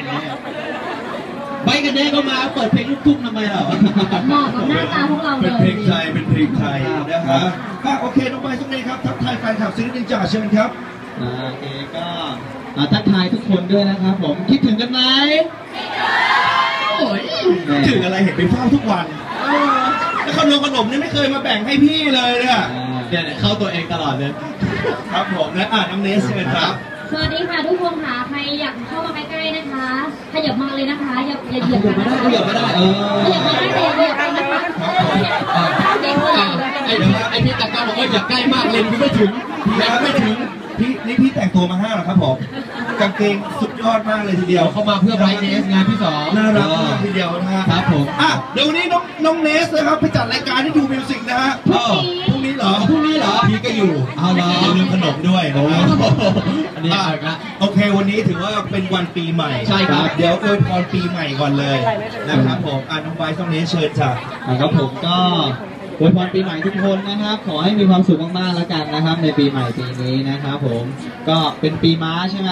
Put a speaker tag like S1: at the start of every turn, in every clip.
S1: ไปกันแน่ก็มาเปิดเพลงลูกทุ่งทำไมเรา
S2: เหมาะกับหน้าตาพวกเราเลย
S3: เป็นเพลงไทยเป็นเพลงไทยนะฮะโอเคน้องใบสักนิดครับทักทายแฟนคลับซิงเกิลจ่าเชิญครับ
S1: โอเคก็ทักทายทุกคนด้วยนะครับผมคิดถึงกันไหม
S3: ถึงอะไรเห็นไปเฝ้าทุกวันแล้วขนมนี่ไม่เคยมาแบ่งให้พี่เลยเนี่ย
S1: เข้าตัวเองตลอดเลย
S3: ครับผมนะน้องเนสเชิญครับ
S2: สวัสดีค่ะทุกคนค่ะใครอยากเข้ามาใกล้ๆนะคะขยับมาเลยนะคะอย่าเหยียบกันนะคะ
S1: ขยับไม่ได้
S2: ขยับไม่ได้แต่อย่าเหยียบกันนะคะ
S1: ไอพี่ตะก้าบอกว่าอย่าใกล้มากเลนไม่ถึงไม่ถึง
S3: พี่แต่งตัวมา5เหรอครับผมกางเกงสุดยอดมากเลยทีเดียว
S1: เขามาเพื่อไบรท์เนสงานที่2
S3: น่ารักมากทีเดียวนะฮะ
S1: ครับผม
S3: เดี๋ยววันนี้น้องเนสนะครับไปจัดรายการที่ดูมิวสิกนะฮะพรุ่งนี้เหรอพี่ก็อยู่
S1: เอาละ
S3: ลืมขนมด้วยนะครับ
S1: อันนี้
S3: โอเควันนี้ถือว่าเป็นวันปีใหม่
S1: ใช่ครับ
S3: เดี๋ยวอวยพรปีใหม่ก่อนเลยนะครับผมน้องไบร์ทน้องเนสเชิญจ้ะ
S1: ครับผมก็อวยพรปีใหม่ทุกคนนะครับขอให้มีความสุขมากๆแล้วกันนะครับในปีใหม่ปีนี้นะครับผมก็เป็นปีม้าใช่ไหม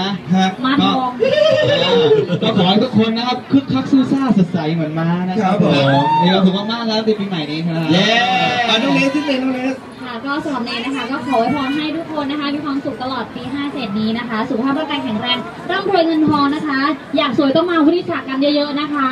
S1: ก็ขอให้ทุกคนนะครับคึกคักสู้ซ่าสดใสเหมือนม้านะครับผมมีความสุขมากๆแล้วในปีใหม่นี้ครับ
S3: เย้น้องเนสที่เป็นน้องเนส
S2: ค่ะก็สำหรับเนยนะคะก็ขออวยพรให้ทุกคนนะคะมีความสุขตลอดปี57นี้นะคะสุขภาพร่างกายแข็งแรงร่ำรวยเงินทองนะคะอยากสวยต้องมาวุฒิศักดิ์กันเยอะๆนะคะ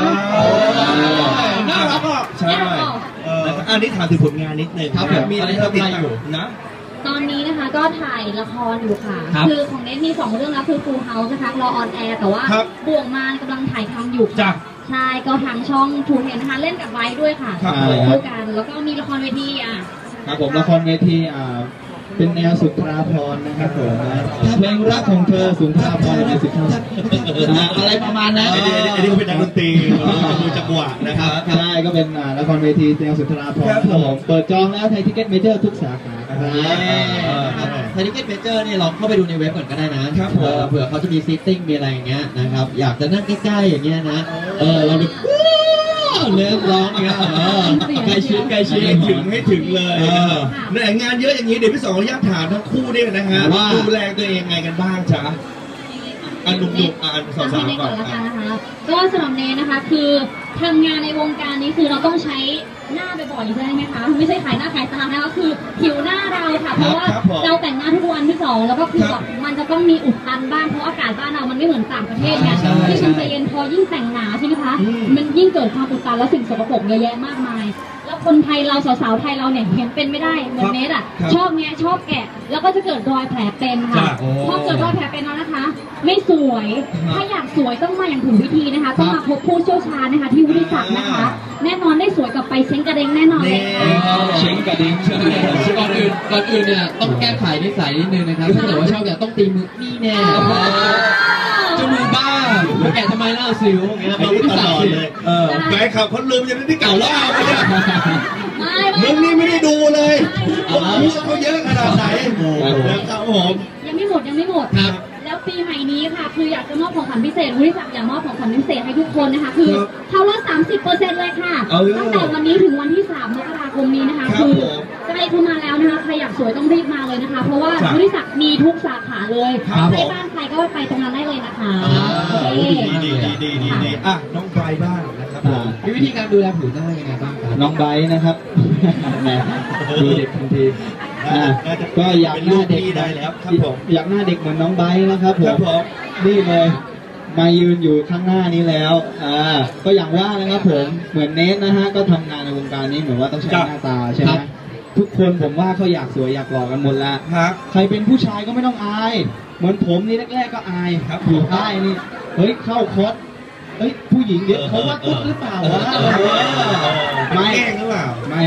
S3: น่ารักอ่ะใช่อันนี้ถามถึงผลงานนิดนึง
S1: ครับ
S3: มีอะไรติดตามอยู่นะ
S2: ตอนนี้นะคะก็ถ่ายละครอยู่ค่ะคือของเนทมี2เรื่องแล้วคือ Full House นะคะรอออนแอร์แต่ว่าบ่วงมารกำลังถ่ายทำอยู่ค่ะใช่ก็ทางช่องทูเทนนะคะเล่นกับไว้ด้วยค่ะคู่กันแล้วก็มีละครเวที
S1: ครับผมละครเวทีเป็นแนวสุนทราภรณ์นะครับผมเพลงรักของเธอสุนทราภรณ์ในสิบอะไรประมาณนั้น
S3: อันนี้ก็เป็นนักดนตรีดูจังหวะนะครับ
S1: ใช่ก็เป็นละครเวทีแนวสุนทราภรณ์ผมเปิดจองแล้วไทยทิเก็ตเมเจอร์ทุกสาขาไทยทิเก็ตเมเจอร์นี่ลองเข้าไปดูในเว็บก่อนก็ได้นะเผื่อเขาจะมีซีติ้งมีอะไรอย่างเงี้ยนะครับอยากจะนั่งใกล้ๆอย่างเงี้ยนะเราดูเลิกร้องอย่างเงี้ยใกล้ชิด
S3: ให้ถึงเลยเนี่ยงานเยอะอย่างนี้เดี๋ยวพี่สองขออนุญาตถามทั้งคู่ด้วยนะฮะดูแลตัวเองไงกันบ้างจ๊ะหนุ่มๆสาวๆก่อน
S2: นะคะก็สำหรับเนนะคะคือทำงานในวงการนี้คือเราต้องใช้หน้าบ่อยๆใช่ไหมคะไม่ใช่ขายหน้าขายตานะคะคือผิวหน้าเราค่ะเพราะว่าเราแต่งหน้าทุกวันที่2แล้วก็คือแบบมันจะต้องมีอุดตันบ้างเพราะอากาศบ้านเรามันไม่เหมือนต่างประเทศไงที่ฉันใจเย็นพอยิ่งแต่งหนาใช่ไหมคะมันยิ่งเกิดความอุดตันและสิ่งสกปรกเยอะแยะมากมายแล้วคนไทยเราสาวๆไทยเราเนี่ยเห็นเป็นไม่ได้เหมือนเนทชอบแกะแล้วก็จะเกิดรอยแผลเป็นค่ะพอเกิดรอยแผลเป็นแล้วนะคะไม่สวยถ้าอยากสวยต้องมาอย่างถูกวิธีนะคะต้องมาพบผู้เชี่ยวชาญนะคะที่วุฒิศักดิ์นะคะแน่นอนได้สวยกับไปเช้งกระเด้งแน่นอนเลยค่ะ
S1: เช้งกระเด้งก่อนอื่นเนี่ยต้องแก้ไขนิสัยนิดนึงนะครับถ้าเกิดว่าชอบเนี่ยต้องตีมือนี่แน่จมูกบ้าแกทำไมเล่าสิวอย่างเงี้ยเราไม่ตลอดเลย
S3: แฟนคลับคนลืมยังที่เก่าเล่ามึงนี่ไม่ได้ดูเลยเขาเยอะขนาดไหนนะครับผม
S2: ยังไม่หมด
S1: ครับ
S2: แล้วปีใหม่นี้ค่ะคืออยากจะมอบของขวัญพิเศษวุฒิศักดิ์อยากมอบของขวัญพิเศษให้ทุกคนนะคะคือเขาลด 30% เลยค่ะตั้งแต่วันนี้ถึงวันที่3 มกราคมนี้นะคะคือใกล้เข้ามาแล้วนะคะใครอยากสวยต้องรีบมาเลยนะคะเพราะว่าวุฒิศักดิ์มีทุกสาขาเลยใกล้บ้านใครก็ไปตรงนั้นได้เลยนะคะ
S3: ดีน้องไบร์ทบ้างนะครับ
S1: มีวิธีการดูแลผิวหน้ายังไงบ้างครับน้องไบร์ทนะครับดูเด็กทันทีก็อยากหน้าเด็ก
S3: ได้แล้วครับผม
S1: อยากหน้าเด็กเหมือนน้องไบร์ทนะครับผมนี่เลยมายืนอยู่ข้างหน้านี้แล้วก็อย่างว่านะครับผมเหมือนเนทนะฮะก็ทำงานในวงการนี้เหมือนว่าต้องใช้หน้าตาใช่ไหมทุกคนผมว่าเขาอยากสวยอยากหล่อกันหมดแล้วใครเป็นผู้ชายก็ไม่ต้องอายเหมือนผมนี่แรกๆก็อายครับอยู่ใต้นี่เฮ้ยเข้าคอร์สผู้หญิงเดี๋ยวเขาว่าตุ๊ดหรือเปล่าวะ
S3: ไม่หรือเปล่า
S1: ไม่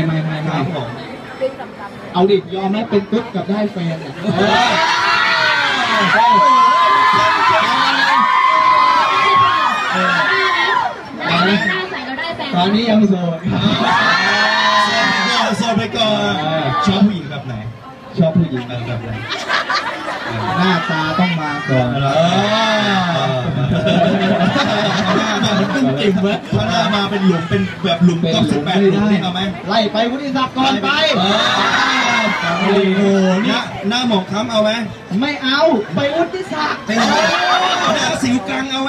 S1: เอาดิยอมไหมเป็นตุ๊ดกับได้แฟนตอนนี้ยังโสด
S3: ไปก่อนชอบผู้หญิงแบบไหน
S1: ชอบผู้หญิงแบบไหนหน้าตาต้องมาก่อน
S3: มันตึ้งจริงไหมถ้าหน้ามาเป็นหลุมเป็นแบบหลุมกับ18 หลุมนี่เอาไหม
S1: ไล่ไปวุฒิศักดิ์ก่อนไป
S3: โอ้โหหน้าหมองคล้ำเอาไหม
S1: ไม่เอาไปวุฒิศักดิ์
S3: หน้าสิวกังเอาไหม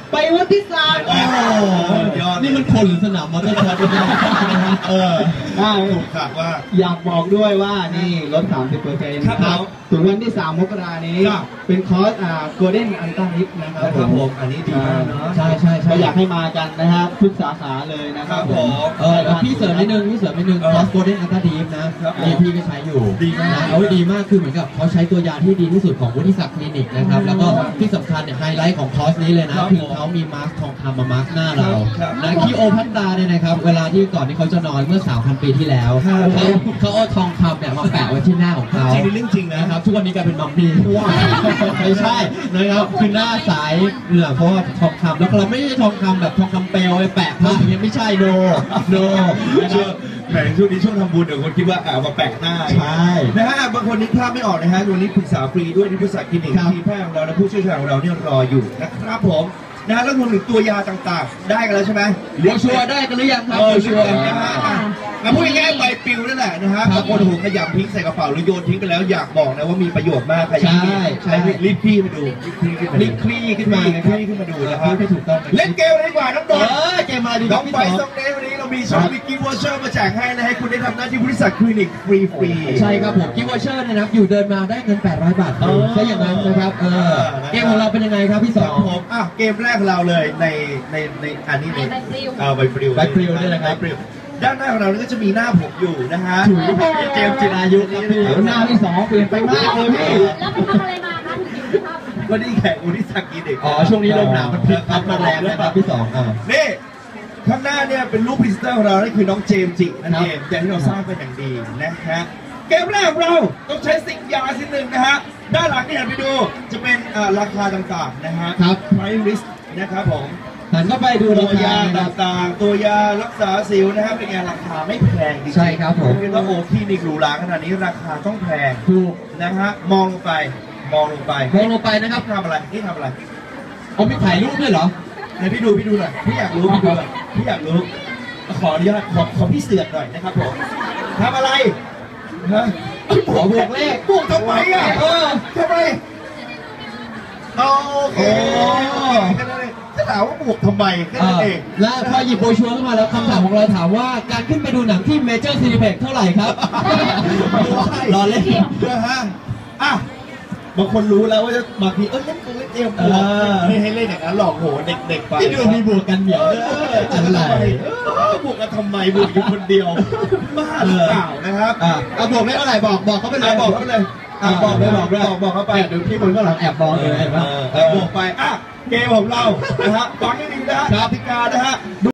S1: ไปวันที่3โอ้
S3: ยอด
S4: นี่มันคนหรือสนามมอเตอร์คอร์สเนี่ย
S3: ถูกขาดว่า
S1: อยากบอกด้วยว่านี่ลด 30% ครับถึงวันที่3 มกรานี้เป็นคอร์สGolden Ultra Hip นะครับ
S3: ผมอันนี้ดีมากเนาะ
S1: ใช่ก็อยากให้มากันนะครับทุกสาขาเลยนะครับผม
S4: พี่เสริมนิดนึงคอร์ส Golden Ultra Hip นะนี่พี่ก็ใช้อยู่
S3: ดีมาก
S4: ดีมากคือเหมือนกับเขาใช้ตัวยาที่ดีที่สุดของวุฒิศักดิ์คลินิกนะครับแล้วก็ที่สำคัญเนี่ยไฮไลท์ของคอร์สนี้เลยนะคือเขามีมาสก์ทองคำมามาสก์หน้าเรานะคีโอพัตตาเนี่ยนะครับเวลาที่ก่อนที่เขาจะนอนเมื่อ 3,000 ปีที่แล้วเขาเอาทองคำเนี่ยมาแปะไว้ที่หน้าของเขา
S3: จริงเรื่องจริง
S4: นะครับทุกวันนี้กลายเป็นมัมมี่ไม่ใช่นะครับคือหน้าใสเนี่ยเพราะว่าทองคำแล้วเราไม่ใช่ทองคำแบบทองคำเปลวไปแปะผ้าอย่างเงี้ยไม่ใช่โน
S3: นะครับแหมช่วงนี้ช่วงทำบุญเดี๋ยวคนคิดว่าเอามาแปะหน้า
S4: ใช่
S3: นะฮะบางคนนึกภาพไม่ออกนะฮะวันนี้ปรึกษาฟรีด้วยที่บริษัทคลินิกทีมแพทย์ของเราและผู้เชี่ยวชาญของเราเนี่ยรออยู่นะครับผมนะแล้วรวมถึงตัวยาต่างๆได้กันแล้วใช่ไหม
S4: โบชัวได้กันหรือยังครับโบชัว
S3: นะฮะพูดง่ายๆใบปลิวนั่นแหละนะฮะบางคนหูขยำทิ้งใส่กระเป๋าหรือโยนทิ้งไปแล้วอยากบอกนะว่ามีประโยชน์มากใคร
S4: ใช่
S3: รีบคลี่มาดูรีบคลี่ขึ้นมาดูนะครับ
S4: ไม่ถูกต้อง
S3: เล่นเกมดีกว่าน้องบอล
S4: เกมมาดี
S3: น้องไปส่งเดย์วันนี้เรามีช็อปมีกิฟต์วอเชอร์มาแจกให้นะให้คุณได้ทำหน้าที่บริษัทคลินิกฟรี
S4: ใช่ครับผมกิฟต์วอเชอร์นะครับอยู่เดินมาได้เงิน800 บาทใช่อย่างนั้นนะครับเกมของเราเป็นยังไงครับพี่สอง
S3: ผมเกมแรกเราเลยในอันนี้เลยใบปลิว
S4: นี่นะครับ
S3: ด้านหน้าของเราก็จะมีหน้าผมอยู่นะฮะ
S4: เจมส์จิรายุครับพี่
S1: หน้าที่2เปลี่ยนไปมากเลยพี่
S2: แล้วไปทำอะไรมาคะถึงอยู่ที่ภาพ
S3: วันนี้แข่งอุทิศกิจเด็ก
S4: ช่วงนี้ลมหนาวมันพลิกพัดมาแรงนะครับพี่สอง
S3: นี่ข้างหน้าเนี่ยเป็นรูปพรีเซนเตอร์ของเรานั่นคือน้องเจมส์จินั่นเองอย่างที่เราทราบเป็นอย่างดีนะฮะเกมแรกของเราต้องใช้สิ่งยาสิ่งหนึ่งนะฮะด้านหลังที่เห็นไปดูจะเป็นราคาต่างๆนะฮะ
S4: ครับ
S3: price list นะครับผม
S4: หันเข้าไปดูตั
S3: วยาต่างๆตัวยารักษาสิวนะครับเป็นไงราคาไม่แพงจริงๆ
S4: ใช่ครับผม
S3: เป็นว่าโอ้คลินิกหรูหราขนาดนี้ราคาต้องแพง
S4: ถูก
S3: นะฮะมองลงไป
S4: นะครับ
S3: ทำอะไรนี่ทำอะไร
S4: เอาไปถ่ายรูปด้วยเหรอ
S3: ไหนพี่ดูหน่อยพี่อยากรู้ขออนุญาตขอพี่เสือกหน่อยนะครับผมทำอะไรฮะ
S4: ขอบวกเลข
S3: บวกทำไมทำไมโอเคจะถามว่าบวกทำไมแค่นั้นเอง
S4: และพอหยิบโบชัวร์ขึ้นมาแล้วคำถามของเราถามว่าการขึ้นไปดูหนังที่เมเจอร์ซีนิเพ็กเท่าไหร่ครับรอเล่น
S3: ฮะบางคนรู้แล้วว่าจะบางทีเล่นตัวเล่นเกมไม่ให้เล่นอย่างนั้นหลอกโหเด็กๆไป
S4: ที่ดูมีบวกกันเหนียว
S3: อะไรบวกกันทำไมบวกอยู่คนเดียวบ้าหรือเปล่านะครับ
S4: บวกได้เท่าไหร่บอกเขาไปเลย
S3: บอกเขาไปเลยบอกเขาไป
S4: เดี๋ยวพี่คนก็หลังแอบบอกเลย
S3: บวกไปเกมของเรานะฮะฟังให้ดีนะฮะกติกานะฮะ